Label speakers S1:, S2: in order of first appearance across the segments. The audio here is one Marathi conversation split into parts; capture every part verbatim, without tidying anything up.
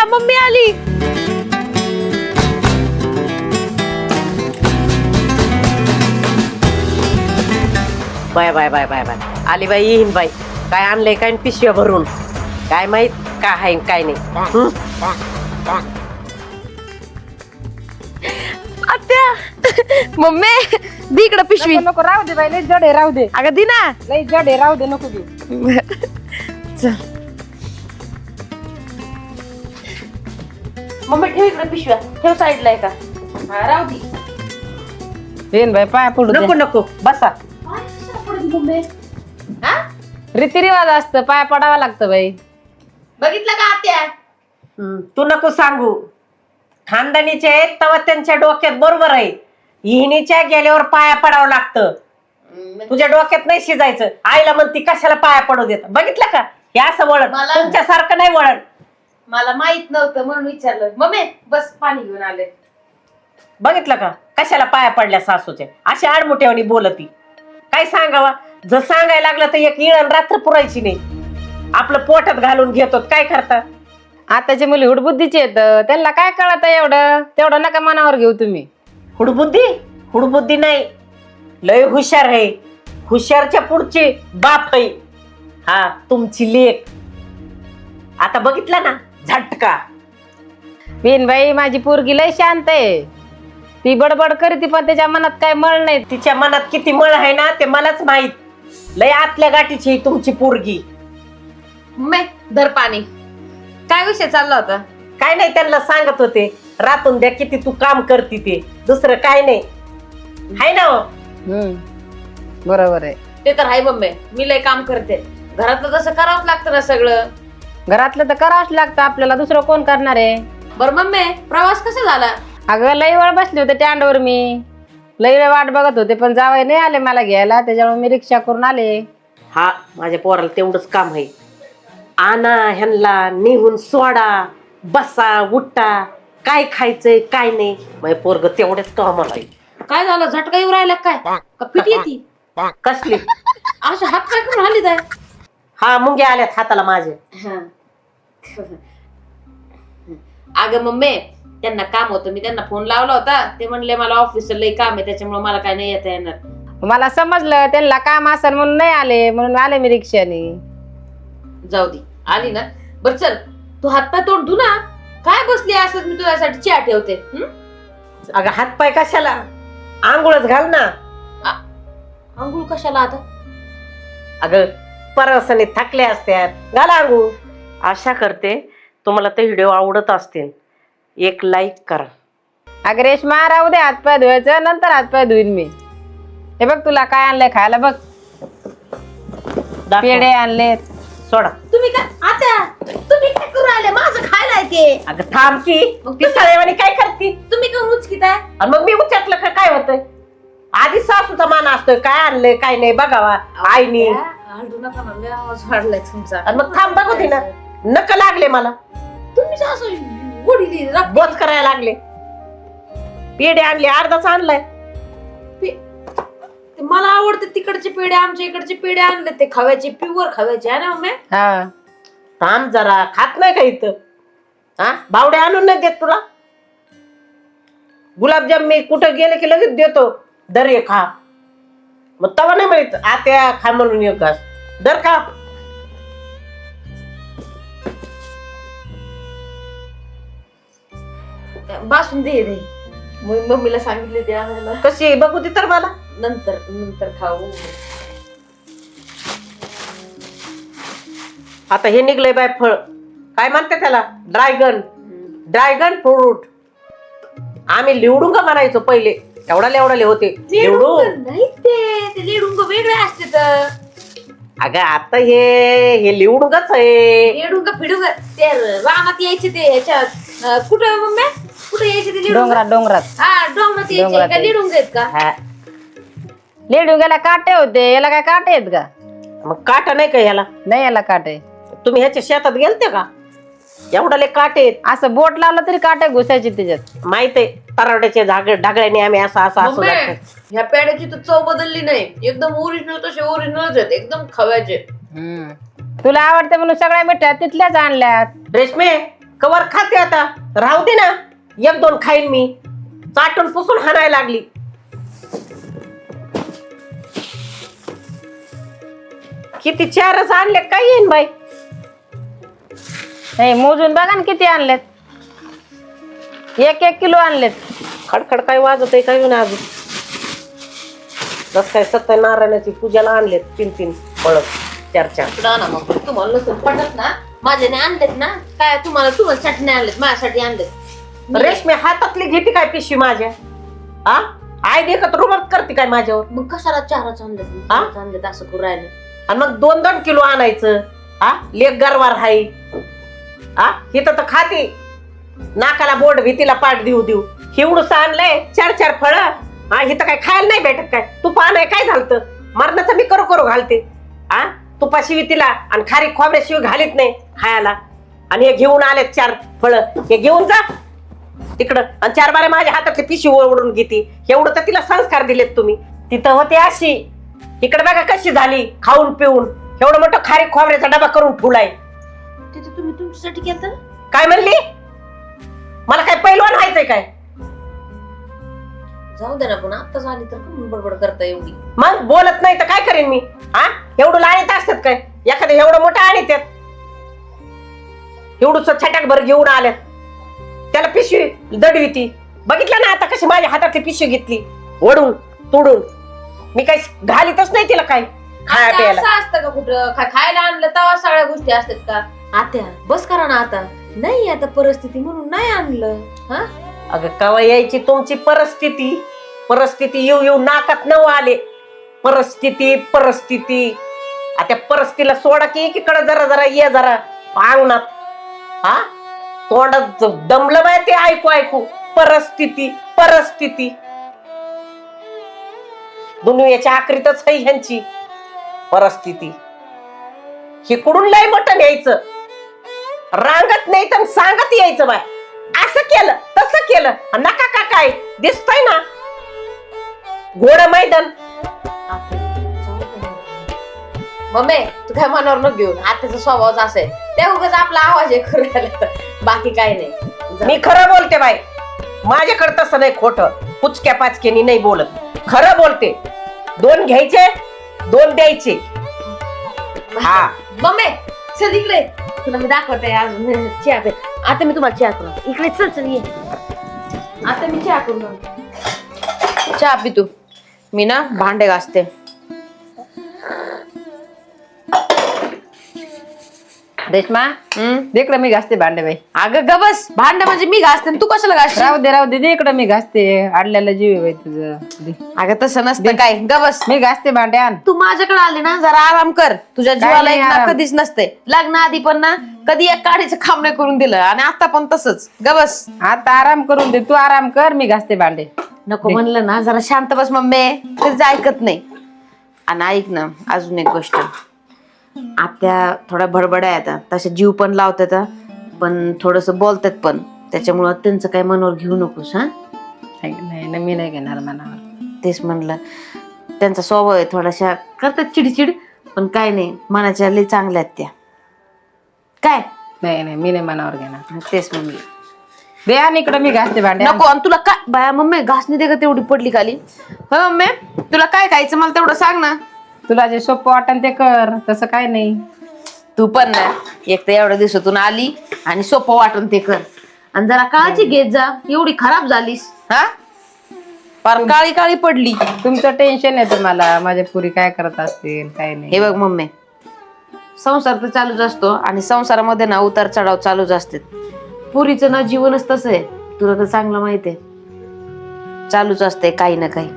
S1: मम्मी आली.
S2: Bye bye bye bye bye आली बाई येईन बाई. काय आणलंय काय पिशव्या भरून काय माहित काय आहे काय नाही.
S1: आत्या मम्मी दी इकडं पिशवी.
S3: नको नको, राहू दे बाई, लय जड आहे, राहू दे.
S1: अगं दी ना.
S3: लय जड आहे, राहू दे, नको दे.
S1: चल मम्मी ठेव इकडे पिशव्या. ठेव साईडला का.
S3: हा, राहू दे. येईन बाई, पाया पडू दे.
S2: नको नको बसा.
S3: रीतिरिवाज असतं, पाया पडावं लागतं बाई.
S1: बघितलं का आत्या.
S2: हम्म, तू नको सांगू. खानदानीचे आहेत तेव्हा त्यांच्या डोक्यात बरोबर आहे. हिनीच्या गेल्यावर पाया पडावं लागतं. तुझ्या डोक्यात नाही शिजायचं. आईला म्हणती कशाला पाया पडू देत. बघितलं का हे असं वळण.
S1: मला-
S2: तुमच्यासारखं नाही वळण.
S1: मला माहित नव्हतं म्हणून विचारलं. मम्मी बस पाणी घेऊन आले.
S2: बघितलं का कशाला पाया पडल्या सासूच्या. अशी आडमुठ्यावणी बोलती. काय सांगावा. जर सांगायला लागलं तर एक इळण रात्र पुरायची नाही. आपलं पोटात घालून घेतो काय करता.
S3: आताची मुली हुडबुद्धीची येत, त्यांना काय कळत एवढं. तेवढं नका मनावर घेऊ तुम्ही.
S2: हुडबुद्धी हुडबुद्धी नाही. लय हुशार आहे. हुशारच्या पुढची बाप आहे. हा तुमची लेक. आता बघितलं ना झटका.
S3: बिन बाई माझी पोरगी लय शांत आहे. ती बडबड करते पण त्याच्या मनात काय मळ नाही.
S2: तिच्या मनात किती मळ आहे ना ते मलाच माहित. लय आतल्या गाठीची आहे तुमची पोरगी.
S1: मम्मी धर पाणी. काय विषय चालला होता.
S2: काय नाही त्यांना सांगत होते रातून द्या किती तू काम करते ते. दुसरं काय नाही हाय ना हो?
S3: हम्म बरोबर आहे.
S1: ते तर आहे मम्मी. मी लय काम करते. घरातलं तसं करावंच लागतं ना सगळं.
S3: घरातलं तर करावंच लागतं आपल्याला, दुसरं कोण करणार आहे.
S1: बरं मम्मी प्रवास कसा झाला.
S3: अगं लई वेळ बसले होते स्टँडवर मी. लई वेळ वाट बघत होते पण जावई नाही आले मला घ्यायला, त्याच्यामुळे मी रिक्षा करून आले.
S2: हा माझ्या पोराला तेवढंच काम आहे. आणा ह्यांना निहून सोडा. बसा उठा. काय खायचंय काय नाही. माझे पोरग तेवढेच कामाला आहे.
S1: काय झालं झटका येऊ राहिला काय का पिटी येते.
S2: कसली
S1: अशा हात काय करून आली काय.
S2: हा मुंग्या आल्यात हाताला माझे.
S1: अगं मम्मी त्यांना काम होतं. मी त्यांना फोन लावला होता. ते म्हणले मला ऑफिसला लय काम आहे त्याच्यामुळे मला काय नाही येता येणार.
S3: मला समजलं त्यांना काम असेल म्हणून नाही आले, म्हणून आले मी रिक्षाने.
S1: जाऊ दे आली ना. बर चल तू हातपाय तोंड धु ना. काय बसली असं मी तुझ्यासाठी चहा ठेवते.
S2: अगं हातपाय कशाला. आंघोळच घाल ना.
S1: आंघोळ कशाला आता.
S2: अगं परवासाने थकले असतात घाला आंघोळ. आशा करते तुम्हाला ते व्हिडिओ आवडत असतील. एक लाईक करा.
S3: अगं रेश्मा राहू दे, हातपाय धुवायचं नंतर हातपाय धुईन मी. हे बघ तुला काय आणलंय खायला बघ.
S2: दाखव.
S3: पेढे आणले.
S2: सोडा.
S1: तुम्ही काय आता तुम्ही काय करू राहिले. माझं खायला येते.
S2: अगं थांब की.
S1: मग
S2: ती सळेवाणी काय करते.
S1: तुम्ही का उचकीत आहे.
S2: आणि मग मी उचटलं का काय होतंय. आधी सासूचा मान असतोय काय आणलंय काय नाही बघावा आईनी.
S1: आलडू नका ना. लय आवाज वाढलाय तुमचा.
S2: आणि मग थांब बघू दे ना. नक लागले मला.
S1: तुम्ही असं गोडीली रक्त-
S2: बोच करायला लागले. पेढे आणले अर्धाच आणलाय.
S1: ते मला आवडते तिकडचे पेढे. आमच्या इकडचे पेढे आणले ते खव्याचे प्युअर खव्याचे आहे ना मम्मी.
S3: हा
S2: थांब जरा. खात नाही का इथं. हा बावडे आणून नाही देत तुला. गुलाबजाम मी कुठं गेले की लगेच देतो. दर एक खा. मग तवा नाही माहित आत्या खा म्हणून एक घास दर का.
S1: बासुंदी दे दे. मग मम्मीला सांगितले ते आणायला.
S2: कशी आहे बघू दे तर मला.
S1: नंतर नंतर खाऊ.
S2: आता हे निघलंय बाय फळ. काय म्हणते त्याला ड्रॅगन. Dragon fruit. आम्ही लिवडुंगा म्हणायचो पहिले. एवढा एवढाले होते लिवडू.
S1: नाही ते ते लेडुंग वेगळे असते तर.
S2: अगं आता हे हे लिवडुंगाच आहे.
S1: लेडुंग फिडुंग ते रानात यायचे ते ह्याच्यात. अं, कुठं मम्मी कुठे यायचे ते लेडुंग.
S3: डोंगरात डोंगरात
S1: हा डोंगरात यायचे
S3: डोंगरात
S1: का लेडुंग आहेत का.
S2: हा.
S3: लेडुंग्याला काटे होते, याला काय काटे आहेत का.
S2: मग काटा नाही का ह्याला.
S3: नाही याला काटे.
S2: तुम्ही ह्याच्या शेतात गेलते का. एवढाले काटे आहेत.
S3: असं बोट लावलं तरी काटे घुसायचे त्याच्यात.
S2: माहित आहे तरावड्याच्या झाग ढागळ्याने आम्ही असं असं असं
S1: मम्मी,
S2: लागतो.
S1: ह्या पेड्याची तर चव बदलली नाही. एकदम ओरिजिनल तसे ओरिजिनलच आहेत. एकदम खव्याचे.
S3: तुला आवडते म्हणून सगळ्या मिठ्या तिथल्याच आणल्यात.
S2: रेशमे कवर खाते आता, राहू दे ना, एक दोन खाईन मी. चाटून पुसून हाणायला लागली. किती चारच आणले काय येईन बाई.
S3: नाही मोजून बघा ना किती आणलेत. एक एक किलो आणलेत.
S2: खडखड काय वाजत आहे काय ना अजून. जस काय सत्यनारायणाची पूजाला आणलेत तीन तीन फळ चार चार.
S1: ना ना मग तुम्हाला नसून पटत ना, माझ्याने आणलेत ना काय, तुम्हाला तुमच्यासाठी नाही आणलेत, माझ्यासाठी आणलेत.
S2: रेशमी हातातली घेते काय पिशवी माझ्या. हा आय देखत रुबाब करते काय माझ्यावर.
S1: मग कशाला चारच आणलेत,
S2: हा?
S1: चारच आणलेत असं करू राहिलं.
S2: आणि मग दोन दोन किलो आणायचं. हा लेक गरवार हाय. हा हिथं तर खाती नाकाला बोट भीतीला पाठ देऊ देऊ. हिवडूस आणलंय चार चार फळ. हा हिथं काय खायला नाही भेटत काय. तूप आणाय काय झालत, मरणाचं मी करू करू घालते. हा तुपाशिवी तिला आणि खारी खोबऱ्याशिवी घालीत नाही खायला. आणि हे घेऊन आले चार फळ, हे घेऊन जा तिकडं. आणि चार बारे माझ्या हातातली पिशवी ओढून घेते. एवढं तर तिला संस्कार दिलेत तुम्ही. तिथं होते अशी, इकडे बघा कशी झाली खाऊन पिऊन. एवढं मोठं खारी खोबऱ्याचा डबा करून ठेवलाय.
S1: तिथे तुम्ही तुमच्यासाठी केलं ना.
S2: काय म्हणली, मला काय पैलवान व्हायचंय काय.
S1: जाऊ दे ना, पण आता झाली तर कमी बडबड करता एवढी.
S2: मग बोलत नाही तर काय करेन मी. हा एवढं आणीत असतात काय, एखादं एवढं मोठं आणीत. एवढं छटाक भर घेऊन आल्यात, त्याला पिशवी दडवी. बघितलं ना आता कशी माझ्या हातातली पिशवी घेतली ओढून तोडून. मी काही घालीतच नाही तिला काय खाया प्यायला.
S1: असं असतं का कुठं, खा- खायला आणलं तेव्हा सगळ्या गोष्टी असतात का. आत्या बस करा ना आता. नाही आता परिस्थिती म्हणून नाही आणलं. हा
S2: अगं कवा यायची तुमची परिस्थिती. परिस्थिती येऊ येऊ नाकात नऊ आले. परिस्थिती परिस्थिती आता परिस्थितीला सोडा की एकीकडे जरा जरा ये जरा अंगणात. हा तोंडात दमलं बाय ते ऐकू ऐकू. परिस्थिती परिस्थिती दुनियाच्या आखरीतच आहे ह्यांची परिस्थिती. हे कुठून लय मोठं यायचं, रांगत नाही तर सांगत यायचं बाय. असं केलं तसं केलं नका का काय दिसतंय ना घोड मैदान.
S1: मम्मी तू काय मनावर न घेऊन, आत्याचा स्वभावच असा आहे. त्या उगाच आपला आवाज आहे करू राहिला, बाकी काय नाही.
S2: मी खरं बोलते बाई, माझ्याकडे तसं नाही खोटं पुचक्या पाचक्यानी नाही बोलत. खरं बोलते. दोन घ्यायचे दोन द्यायचे. हा
S1: मम्मी चल इकडे, तुला मी दाखवते अजून चहा पे. आता मी तुम्हाला चहा करून इकडे चल चल ये. आता मी चहा करून आणते. चहा पी तू, मी ना भांडे घासते.
S3: रेश्मा
S1: हम्म
S3: इकडे मी घासते भांडे बाई.
S1: अगं ग बस, भांडे म्हणजे मी घासते तू कशाला घासते.
S3: राहू दे राहू दे दे इकडे मी घासते. आडल्याला जीव आहे बाई तुझं. दे.
S1: अगं तसं नसतं काय, ग बस.
S3: मी घासते भांडे आण.
S1: तू माझ्याकडे आली ना जरा आराम कर. तुझ्या जीवाला
S3: नाही
S1: एक ना
S3: आराम.
S1: कधीच नसते. लग्न आधी पण ना कधी एक काडीचं खांब नाही करून दिलं आणि आता पण तसंच. ग बस.
S3: आता आराम करून दे, तू आराम कर, मी घासते भांडे.
S1: नको म्हणलं ना जरा शांत बस मम्मी, कधीच ऐकत नाही. आणि ऐक ना अजून एक गोष्ट, आत्या थोड्या बडबड आहे आता, तसे जीव पण लावतात पण थोडस बोलतात पण, त्याच्यामुळं त्यांचं काय मनावर घेऊ नकोस. हा
S3: नाही नाही मी नाही घेणार मनावर.
S1: तेच म्हणलं, त्यांचा स्वभाव आहे थोडाशा करतात चिडचिड, पण काय नाही मनाच्या लई चांगल्या आहेत त्या. काय
S3: नाही नाही मी नाही मनावर घेणार.
S1: तेच म्हणलं.
S3: दे आण इकडे मी घासते भांडे.
S1: नको. आणि तुला काय बाया मम्मी घासणी दे का तेवढी पडली खाली. होय मम्मी तुला काय खायचं मला तेवढं सांग ना.
S3: तुला जे सोपं वाटन ते कर, तसं काय नाही.
S1: तू पण ना एक तर एवढ्या दिवसातून आली आणि सोपं वाटून ते कर. आणि जरा काळजी घेत जा, एवढी खराब झालीस. हा फार काळी काळी पडली.
S3: तुमचं टेन्शन आहे तुम्हाला, माझ्या पुरी काय करत असतील काय नाही.
S1: हे बघ मम्मी, संसार तर चालूच असतो आणि संसारामध्ये ना उतार चढाव चालूच असतात. पुरीचं ना जीवनच तसं आहे, तुला तर चांगलं माहित आहे. चालूच असतंय काही ना काही.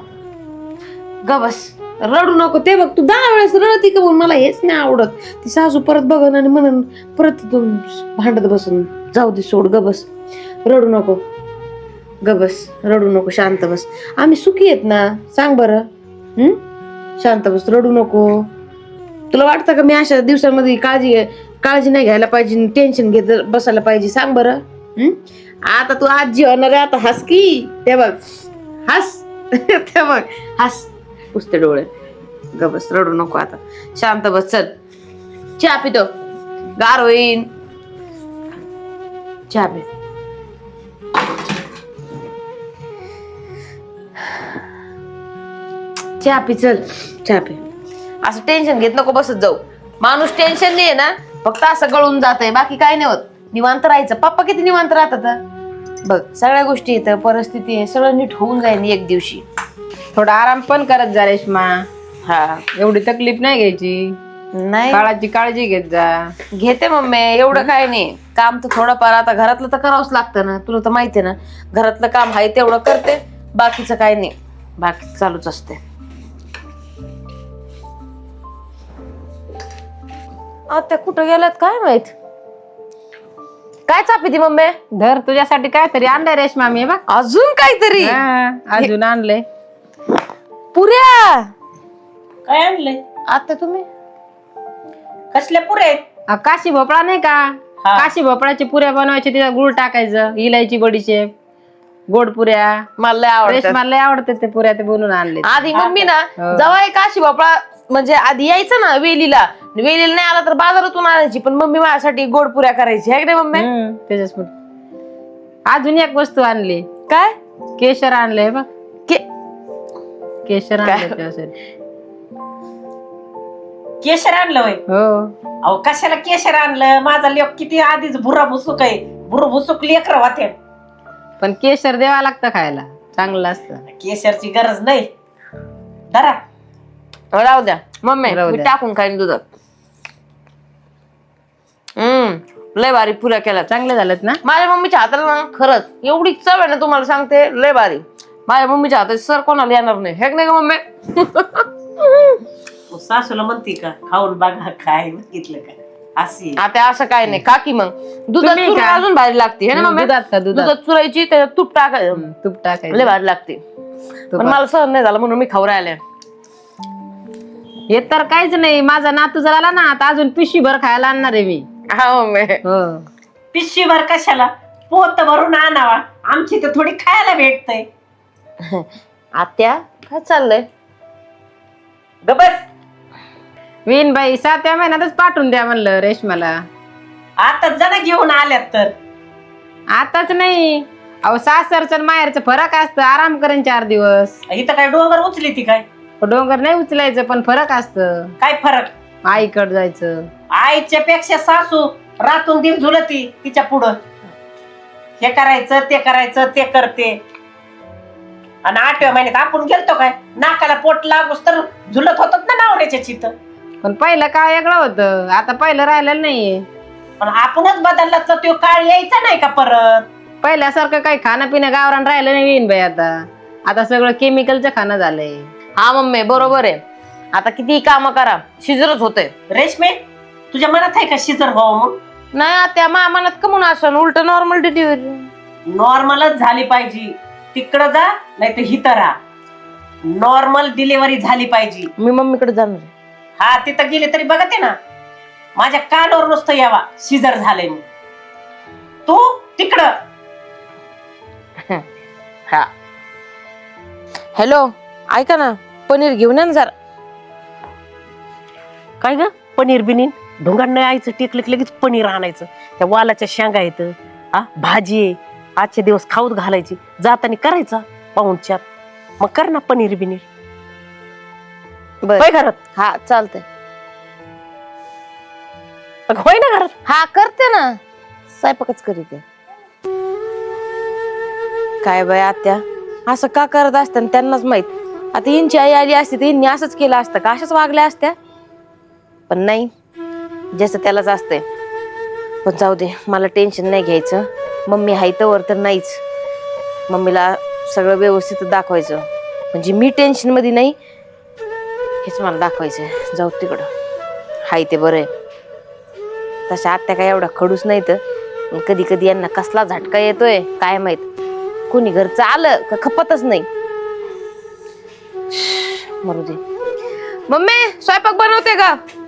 S1: ग बस रडू नको. ते बघ तू दहा वेळेस रडती का, मला हेच नाही आवडत. ती सासू परत बघन आणि म्हणून परत भांडत बसून. जाऊ दे सोड, ग बस रडू नको. ग बस रडू नको, शांत बस. आम्ही सुखी आहेत ना, सांग बरं. हम्म शांत बस, रडू नको. तुला वाटतं का मी अशा दिवसांमध्ये काळजी काळजी नाही घ्यायला पाहिजे, टेन्शन घेत बसायला पाहिजे, सांग बरं. हम्म आता तू आजी होणार आहे, आता हस की. ते बघ हस, ते बघ हस, पुसते डोळे. ग बस रडू नको आता, शांत बस. चल चहा पितो, गार होईन. चहा पे. चहा पी चल, चहा पे. असं टेन्शन घेत नको बसत जाऊ. माणूस टेन्शन नाही ना, फक्त असं गळून जातंय, बाकी काय नाही होत. निवांत राहायचं. पप्पा किती निवांत राहतात बघ. सगळ्या गोष्टी येतं, परिस्थिती आहे, सगळं नीट होऊन जाईल एक दिवशी.
S3: थोडा आराम पण करत जा रेश्मा.
S1: हा
S3: एवढी तकलीफ नाही घ्यायची.
S1: नाही
S3: काळाची काळजी घेत जा.
S1: घेते मम्मी, एवढं काय नाही. काम तर थोडंफार आता घरातलं तर करावंच लागतं ना, तुला तर माहितीये ना. घरातलं काम आहे तेवढं करते, बाकीचं काय नाही. बाकी चालूच असते. आता कुठं गेल्यात काय माहित. काय चापी ती मम्मी?
S3: धर तुझ्यासाठी काहीतरी आणलंय रेश्मा मी बघ.
S1: अजून काहीतरी?
S3: हा, अजून आणलंय.
S1: पुऱ्या
S2: काय आणलंय?
S1: आता तुम्ही
S2: कसल्या पुऱ्या आहेत?
S3: अ, काशी भोपळा नाही का?
S2: हा.
S3: काशी भोपळाची पुऱ्या बनवायची, तिला गुळ टाकायचं, इलायची, बडीशेप, गोड पुऱ्या.
S1: मला लय आवडतात.
S3: रेश्माला लय आवडते ते पुऱ्या, ते बनवून आणले.
S1: आधी मम्मी ना
S3: हो.
S1: जेव्हा एक काशी बापळा म्हणजे आधी यायचं ना वेलीला, वेलीला नाही आला तर बाजारातून आणायची, पण मम्मी माझ्यासाठी गोड पुऱ्या करायची आहे की नाही मम्मी?
S3: हम्म, त्याच्याच अजून एक वस्तू आणली.
S1: काय
S3: केशर आणलंय बघ.
S1: के-
S3: केशर
S1: काय?
S3: आणलंय त्याच्यासाठी.
S2: केशर आणलं होय?
S3: हो.
S2: अहो कशाला केशर आणलं? माझा लेक किती आधीच भुरा भुसुक आहे. भुर भुसुक लेकर होते.
S3: पण केशर द्यावा लागतं खायला, चांगलं असतं.
S2: केशरची गरज नाही. धरा.
S1: राहू द्या मम्मी,
S3: राहू
S1: मी
S3: द्या.
S1: टाकून खाईन दुधात. हम्म लय भारी पुऱ्या केल्या.
S3: चांगले झालेत ना?
S1: माझ्या मम्मीच्या हाताला ना खरंच एवढी चव आहे ना, तुम्हाला सांगते लय भारी. माझ्या मम्मीच्या हाताची सर कोणाला येणार नाही, हे नाही का मम्मी?
S2: सासूला म्हणते का खाऊन बघा, काय बघितलं का अशी.
S1: आता असं काय नाही काकी, मग दुधात
S3: तुम्ही
S1: चुरून
S3: का?
S1: अजून भारी लागते है ना मम्मी?
S3: दुधात का? दुधात.
S1: दुधात चुरायची, त्याच्यात तूप टाकायचं,
S3: हम्म, तूप
S1: लय
S3: टाकायचं.
S1: भारी लागते. पण
S3: तुपात.
S1: मला सहन नाही झालं म्हणून मी खाऊ राहिले.
S3: हे तर काहीच नाही. माझा नातू जर आला ना, आता अजून पिशवी भर खायला आणणार आहे मी.
S1: हा मम्मी.
S3: हो.
S2: पिशवीभर कशाला? पोत भरून आणावा. आमची तर थोडी खायला भेटतंय.
S1: आत्या काय चाललंय?
S2: गबस.
S3: विन बाई, सातव्या महिन्यातच पाठवून द्या म्हणलं रेशमाला.
S2: आता जण घेऊन आल्यात तर.
S3: आताच नाही. अहो सासरचं आणि माहेरचं फरक असतं. आराम करेन चार दिवस.
S2: इथं काय डोंगर उचली ती काय?
S3: डोंगर नाही उचलायचं, पण फरक असतं.
S2: काय फरक?
S3: आईकडे जायचं.
S2: आईच्या पेक्षा सासू रातून दिन झुलती तिच्या पुढं. हे करायचं ते करायचं ते करते. आणि आठव्या महिन्यात आपण गेलतो काय? नाकाला पोट लागूस तर झुलत होतात ना नावऱ्याच्या चित.
S3: पण पहिलं काळ वेगळं होतं, आता पहिलं राहिलेलं नाहीये.
S2: पण आपणच बदलला तर तो काळ यायचा नाही का परत?
S3: पहिल्यासारखं काही खाणं पिणं गावरान राहिलं नाही विन बाई. आता आता सगळं केमिकलचं खाणं झालंय.
S1: हा मम्मी बरोबर आहे. आता किती काम करा शिजरच होते.
S2: रेशमे, तुझ्या मनात आहे का शिजर व्हावं? मग
S1: नाही आत्या, मा मनात कमून असं उलट नॉर्मल डिलिव्हरी.
S2: नॉर्मलच झाली पाहिजे. तिकडं जा नाही तर हिथं राहा. नॉर्मल डिलिव्हरी झाली पाहिजे.
S1: मी मम्मीकडे जाणार आहे.
S2: हा तिथं गेले तरी बघते ना, माझ्या कानावर नुसतं यावा शिजर झालंय मग. तू तिकडं.
S1: हा हॅलो, ऐका ना, पनीर घेऊन या ना जरा.
S2: काय ग? पनीर बिनीर ढोंगाण नाही आयचं, टेकलं की लगेच पनीर आणायचं. त्या वालाच्या शेंगा येत, हा भाजी आहे, आजचे दिवस खाऊत घालायची, जाताना करायचा पाहुणच्यात. मग कर ना पनीर बिनीर.
S1: बर
S2: होय घरात?
S1: हा चालतंय.
S2: मग होय ना घरात?
S1: हा करते ना, स्वयंपाकच करीते. काय बाय आत्या, असं का करत असतं त्यांनाच माहित. आता यांची आई आली असती तर यांनी असंच केलं असतं का? अशाच वागल्या असत्या. पण नाही, जसं त्यालाच असतंय. पण जाऊ दे, मला टेन्शन नाही घ्यायचं. मम्मी हाय तर तर नाहीच. मम्मीला सगळं व्यवस्थित दाखवायचं, म्हणजे मी टेन्शन मध्ये नाही हेच मला दाखवायचं. जाऊ तिकडं, हाय ते बरं आहे. तशा आत्या काय एवढा खडूस नाही तर कधी कधी यांना कसला झटका येतोय काय माहित. कोणी घरचं आलं का खपतच नाही. मरू दे. मम्मी स्वयंपाक बनवते का?